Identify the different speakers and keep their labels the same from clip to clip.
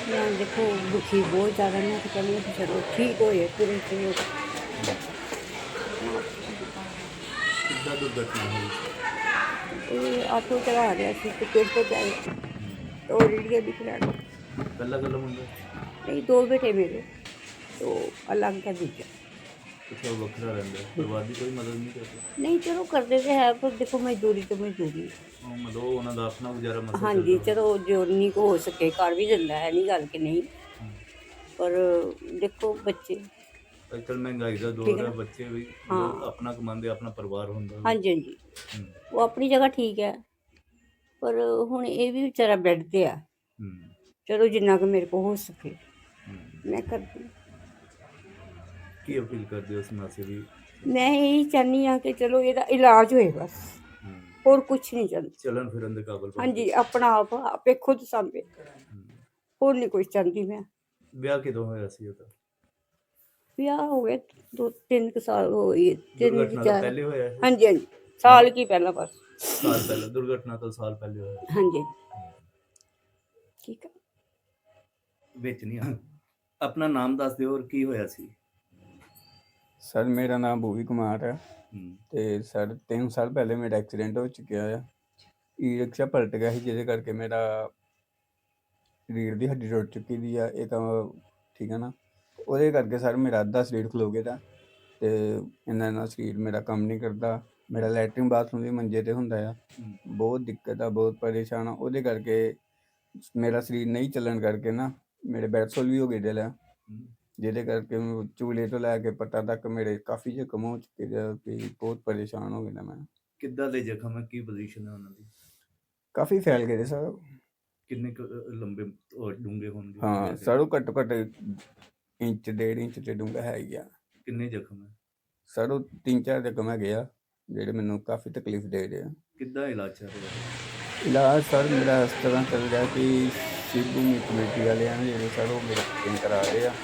Speaker 1: ਮੈਂ ਦੇਖੋ ਦੁਖੀ ਬਹੁਤ ਜ਼ਿਆਦਾ, ਮੈਂ ਤਾਂ ਕਹਿੰਦੀ ਹਾਂ ਕਿ ਚਲੋ ਠੀਕ ਹੋਏ ਤੁਰੇ ਫਿਰੇ।
Speaker 2: ਕਿੱਦਾਂ ਦੁਰਘਟਨਾ ਹੋਈ?
Speaker 1: ਇਹ ਆਟੋ ਚਲਾ ਰਿਹਾ ਸੀ ਤੇ ਪਿੰਡ ਤੋਂ ਜਾਏ तो रीढ़ भी खिला दी।
Speaker 2: ਕੱਲਾ ਕੱਲਾ ਮੁੰਡਾ?
Speaker 1: नहीं, दो बेटे मेरे, तो अलग है दूजा।
Speaker 2: ਅੱਛਾ, ਉਹ ਵੱਖਰਾ ਰਹਿੰਦਾ ਹੈ। ਪਰਿਵਾਰ ਦੀ ਕੋਈ ਮਦਦ ਨਹੀਂ ਕਰਦਾ?
Speaker 1: नहीं चलो करते तो है, पर देखो मजदूरी तो मजदूरी।
Speaker 2: ਉਹ ਮਤਲਬ ਉਹ ਉਹਨਾਂ ਦਾ ਆਪਣਾ ਗੁਜ਼ਾਰਾ ਮਸਾ
Speaker 1: हाँ
Speaker 2: ਚੱਲਦਾ
Speaker 1: जी,
Speaker 2: ਹੋਣਾ।
Speaker 1: चलो जो नहीं को हो सके कर भी दिंदा है, नहीं गल कि नहीं,
Speaker 2: ਹੂੰ।
Speaker 1: पर देखो बच्चे।
Speaker 2: ਅੱਜ ਕੱਲ੍ਹ ਮਹਿੰਗਾਈ ਦਾ
Speaker 1: ठीक
Speaker 2: ਦੌਰ
Speaker 1: है
Speaker 2: ਹੈ,
Speaker 1: ना।
Speaker 2: ਬੱਚੇ ਵੀ ਲੋਕ
Speaker 1: हाँ
Speaker 2: ਆਪਣਾ ਕਮਾਉਂਦੇ, ਆਪਣਾ ਪਰਿਵਾਰ ਹੁੰਦਾ
Speaker 1: हाँ
Speaker 2: ਵੀ।
Speaker 1: जी हाँ जी,
Speaker 2: ਹੂੰ।
Speaker 1: वो अपनी जगह ठीक है, पर हुण ये भी बेचारा बैड ते है।
Speaker 2: ਹੂੰ।
Speaker 1: चलो जिन्ना कि मेरे को हो सके
Speaker 2: ਹੂੰ।
Speaker 1: मैं करती हूँ।
Speaker 2: ਕੀ ਅਪੀਲ ਕਰਦੇ ਹੋ ਸਮਾਜ ਸੇਵੀ?
Speaker 1: मैं यही चाहनी हाँ कि चलो ਇਹਦਾ इलाज होए बस,
Speaker 2: ਹੂੰ।
Speaker 1: और कुछ नहीं चाहती।
Speaker 2: ਚੱਲਣ ਫਿਰਨ ਦੇ ਕਾਬਲ
Speaker 1: हाँ
Speaker 2: ਬਣ
Speaker 1: जी,
Speaker 2: ਜਾਏ।
Speaker 1: अपना आप आपे खुद सामभे,
Speaker 2: ਹੂੰ।
Speaker 1: और नहीं कुछ चाहती मैं।
Speaker 2: ਵਿਆਹ ਕਿਦੋਂ ਹੋਇਆ ਸੀ ਉਹਦਾ?
Speaker 1: ਵਿਆਹ ਹੋ ਗਏ 2-3 ਸਾਲ ਹੋ ਗਏ, 3
Speaker 2: ਦੁਰਘਟਨਾ ਤੋਂ
Speaker 1: 4।
Speaker 2: ਪਹਿਲੇ ਹੋਇਆ ਇਹ?
Speaker 1: ਹਾਂਜੀ ਹਾਂਜੀ,
Speaker 2: ਹੈਂ?
Speaker 1: ਸਾਲ ਕੀ ਪਹਿਲਾਂ ਬਸ।
Speaker 2: ਸਾਲ ਪਹਿਲਾਂ? ਦੁਰਘਟਨਾ ਤੋਂ ਸਾਲ ਪਹਿਲੇ ਹੋਇਆ?
Speaker 1: ਹਾਂਜੀ ਠੀਕ ਹੈ।
Speaker 2: ਵਿੱਚ ਨਹੀਂ ਆ। ਆਪਣਾ ਨਾਮ ਦੱਸ ਦਿਓ, ਔਰ ਕੀ ਹੋਇਆ ਸੀ?
Speaker 3: ਸਰ ਮੇਰਾ ਨਾਮ ਭੂਵੀ ਕੁਮਾਰ ਹੈ
Speaker 2: ਹੂੰ।
Speaker 3: ਤੇ ਸਰ 3 ਸਾਲ ਪਹਿਲੇ ਮੇਰਾ ਐਕਸੀਡੈਂਟ ਹੋ ਚੁੱਕਿਆ ਆ। ਈ ਰਿਕਸ਼ਾ ਪਲਟ ਗਿਆ ਸੀ, ਜਿਹਦੇ ਕਰਕੇ ਮੇਰਾ ਰੀੜ੍ਹ ਦੀ ਹੱਡੀ ਟੁੱਟ ਚੁੱਕੀ ਦੀ ਆ। ਇਹ ਤਾਂ ਠੀਕ ਹੈ ਨਾ, ਉਹਦੇ ਕਰਕੇ ਸਰ ਮੇਰਾ ਅੱਧਾ ਸਰੀਰ ਖਲੋ ਗਿਆ ਦਾ, ਤੇ ਇਹਨਾਂ ਨਾਲ ਸਰੀਰ ਮੇਰਾ ਕੰਮ ਨਹੀਂ ਕਰਦਾ। ਮੇਰਾ ਲੈਟਰਿਨ ਬਾਥਰੂਮ ਵੀ ਮੰਜੇ ਤੇ ਹੁੰਦਾ ਆ।
Speaker 2: ਹੂੰ।
Speaker 3: ਬਹੁਤ ਦਿੱਕਤ ਆ, ਬਹੁਤ ਪਰੇਸ਼ਾਨ ਆ। ਉਹਦੇ ਕਰਕੇ ਮੇਰਾ ਸਰੀਰ ਨਹੀਂ ਚੱਲਣ ਕਰਕੇ ਨਾ ਮੇਰੇ ਬੈਡਸੋਲ ਵੀ ਹੋ ਗਏ ਦਿਲ ਆ,
Speaker 2: ਹੂੰ।
Speaker 3: ਜਿਹਦੇ ਕਰਕੇ ਚੂਲੇ ਤੋਂ ਲੈ ਕੇ ਪੱਟਾਂ ਤੱਕ ਮੇਰੇ ਕਾਫੀ ਜ਼ਖਮ ਹੋ ਚੁੱਕੇ ਆ ਕਿ ਬਹੁਤ ਪਰੇਸ਼ਾਨ ਹੋ ਗਿਆ ਮੈਂ।
Speaker 2: ਕਿੱਦਾਂ ਦੇ ਜ਼ਖਮ ਹੈ? ਕੀ ਪੋਜੀਸ਼ਨ ਹੈ ਉਹਨਾਂ ਦੀ?
Speaker 3: ਕਾਫੀ ਫੈਲ ਗਏ ਸਰ।
Speaker 2: ਕਿੰਨੇ ਕੁ ਲੰਬੇ ਔਰ ਡੂੰਘੇ ਹੋਣਗੇ
Speaker 3: ਹਾਂ
Speaker 2: ਵੈਸੇ?
Speaker 3: ਸਰ, ਉਹ ਘੱਟੋ ਘੱਟ ਇੰਚ 1.5 ਇੰਚ ਤੇ ਡੂੰਘਾ ਹੈ ਹੀ ਆ।
Speaker 2: ਕਿੰਨੇ ਜ਼ਖਮ ਹੈ?
Speaker 3: ਸਰ ਉਹ 3-4 ਜ਼ਖਮ ਹੈਗੇ ਆ ਜਿਹੜੇ ਮੈਨੂੰ ਕਾਫੀ ਤਕਲੀਫ ਦੇ ਰਹੇ ਆ।
Speaker 2: ਕਿੱਦਾਂ ਇਲਾਜ ਚੱਲ ਰਿਹਾ ਹੈ?
Speaker 3: ਇਲਾਜ ਸਰ ਮੇਰਾ ਇਸ ਤਰ੍ਹਾਂ ਚੱਲ ਰਿਹਾ ਕਿ ਸਿੱਧੂ ਕਮੇਟੀ ਵਾਲਿਆਂ ਨੇ ਜਿਹੜੇ ਸਰ ਉਹ ਮੇਰਾ ਟ੍ਰੀਟਮੈਂਟ ਕਰਾ ਰਹੇ ਆ,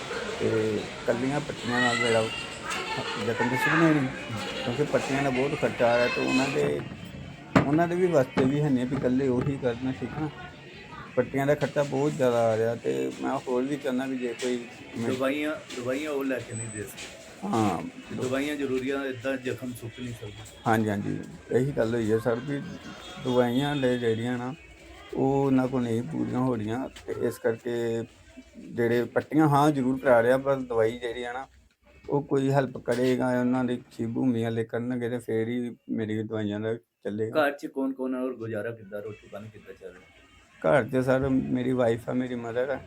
Speaker 3: ਤੇ ਕੱਲੀਆਂ ਪੱਟੀਆਂ ਨਾਲ ਮੇਰਾ ਜ਼ਖਮ ਤਾਂ ਸੁਣਨੇ ਨਹੀਂ, ਕਿਉਂਕਿ ਪੱਟੀਆਂ ਦਾ ਬਹੁਤ ਖਰਚਾ ਆ ਰਿਹਾ, ਤੇ ਉਹਨਾਂ ਦੇ ਵੀ ਵਾਸਤੇ ਵੀ ਹੈ ਨਹੀਂ ਵੀ ਇਕੱਲੇ ਉਹੀ ਕਰਨਾ, ਠੀਕ ਨਾ। ਪੱਟੀਆਂ ਦਾ ਖਰਚਾ ਬਹੁਤ ਜ਼ਿਆਦਾ ਆ ਰਿਹਾ, ਤੇ ਮੈਂ ਹੋਰ ਵੀ ਚਾਹੁੰਦਾ ਵੀ ਜੇ ਕੋਈ
Speaker 2: ਦਵਾਈਆਂ ਉਹ ਲੈ ਕੇ ਨਹੀਂ ਦੇ ਸਕਦੇ?
Speaker 3: ਹਾਂ
Speaker 2: ਦਵਾਈਆਂ ਜ਼ਰੂਰੀ ਆ, ਇੱਦਾਂ ਜ਼ਖਮ ਸੁੱਕ ਨਹੀਂ ਸਕਦੇ?
Speaker 3: ਹਾਂਜੀ ਹਾਂਜੀ, ਇਹੀ ਗੱਲ ਹੋਈ ਹੈ ਸਰ ਵੀ ਦਵਾਈਆਂ ਲੈ ਜਿਹੜੀਆਂ ਨਾ ਉਹ ਉਹਨਾਂ ਕੋਲ ਨਹੀਂ ਪੂਰੀਆਂ ਹੋ ਰਹੀਆਂ, ਤੇ ਇਸ ਕਰਕੇ ਜਿਹੜੇ ਪੱਟੀਆਂ ਹਾਂ ਜ਼ਰੂਰ ਕਰਾ ਰਿਹਾ, ਪਰ ਦਵਾਈ ਜਿਹੜੀ ਆ ਨਾ ਉਹ ਕੋਈ ਹੈਲਪ ਕਰੇਗਾ, ਉਹਨਾਂ ਦੀ ਭੂਮੀ ਵਾਲੇ ਕਰਨਗੇ ਤੇ ਫੇਰ ਹੀ ਮੇਰੀ ਦਵਾਈਆਂ ਦਾ ਚੱਲੇਗਾ।
Speaker 2: ਘਰ 'ਚ ਕੌਣ ਕੌਣ ਹੈ, ਔਰ ਗੁਜ਼ਾਰਾ ਕਿੱਦਾਂ, ਰੋਟੀ ਪਾਣੀ ਕਿੱਦਾਂ ਚੱਲ ਰਿਹਾ?
Speaker 3: ਘਰ 'ਚ ਸਰ ਮੇਰੀ ਵਾਈਫ ਆ, ਮੇਰੀ ਮਦਰ ਆ,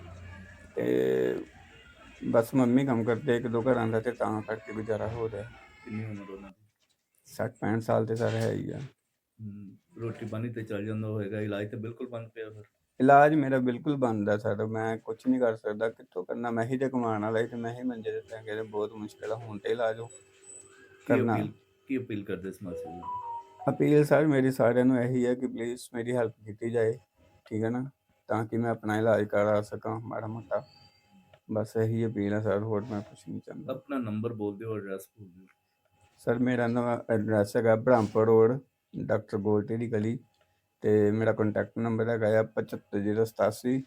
Speaker 3: ਤੇ ਬਸ ਮੰਮੀ ਕੰਮ ਕਰਦੇ 1-2 ਘਰਾਂ ਦਾ, ਤੇ ਤਾਂ ਕਰਕੇ ਗੁਜ਼ਾਰਾ ਹੋ ਰਿਹਾ।
Speaker 2: ਕਿੰਨੀ ਉਮਰ ਉਹਨਾਂ ਦੀ?
Speaker 3: 60-65 ਸਾਲ ਤੇ ਸਰ ਹੈ ਹੀ ਆ।
Speaker 2: ਰੋਟੀ ਪਾਣੀ ਤੇ ਚੱਲ ਜਾਂਦਾ ਹੋਏਗਾ, ਇਲਾਜ ਤੇ ਬਿਲਕੁਲ ਬੰਦ ਪਿਆ ਫਿਰ?
Speaker 3: ਇਲਾਜ ਮੇਰਾ ਬਿਲਕੁਲ ਬੰਦ ਆ ਸਰ, ਮੈਂ ਕੁਛ ਨਹੀਂ ਕਰ ਸਕਦਾ, ਕਿੱਥੋਂ ਕਰਨਾ। ਮੈਂ ਹੀ ਤੇ ਕਮਾਉਣ ਵਾਲਾ ਸੀ, ਤੇ ਮੈਂ ਹੀ ਮੰਜੇ ਤੇ ਪੈ ਗਿਆ, ਤੇ ਬਹੁਤ ਮੁਸ਼ਕਿਲ ਆ ਹੁਣ ਤੇ ਇਲਾਜ ਕਰਨਾ।
Speaker 2: ਕੀ ਅਪੀਲ ਕਰਦੇ ਸਮਾਜ ਸੇਵੀ?
Speaker 3: ਅਪੀਲ ਸਰ ਮੇਰੀ ਸਾਰਿਆਂ ਨੂੰ ਇਹੀ ਹੈ ਕਿ ਪਲੀਜ਼ ਮੇਰੀ ਹੈਲਪ ਕੀਤੀ ਜਾਏ, ਠੀਕ ਹੈ ਨਾ, ਤਾਂ ਕਿ ਮੈਂ ਆਪਣਾ ਇਲਾਜ ਕਰਾ ਸਕਾਂ ਮਾੜਾ ਮੋਟਾ। ਬਸ ਇਹੀ ਅਪੀਲ ਹੈ ਸਰ, ਹੋਰ ਮੈਂ ਕੁਛ ਨਹੀਂ ਚਾਹੁੰਦਾ।
Speaker 2: ਆਪਣਾ ਨੰਬਰ ਬੋਲ ਦਿਓ, ਐਡਰੈਸ ਬੋਲ ਦਿਓ।
Speaker 3: ਸਰ ਮੇਰਾ ਨਵਾਂ ਐਡਰੈਸ ਹੈਗਾ ਬ੍ਰਹਮਪੁਰ ਰੋਡ, ਡਾਕਟਰ ਗੋਲਟੀ ਦੀ ਗਲੀ, ਤੇ ਮੇਰਾ ਕੰਟੈਕਟ ਨੰਬਰ ਹੈਗਾ ਆ 75087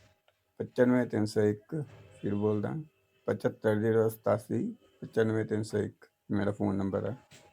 Speaker 3: 95301। ਫਿਰ ਬੋਲਦਾ 75087 95301 ਮੇਰਾ ਫ਼ੋਨ ਨੰਬਰ ਹੈ।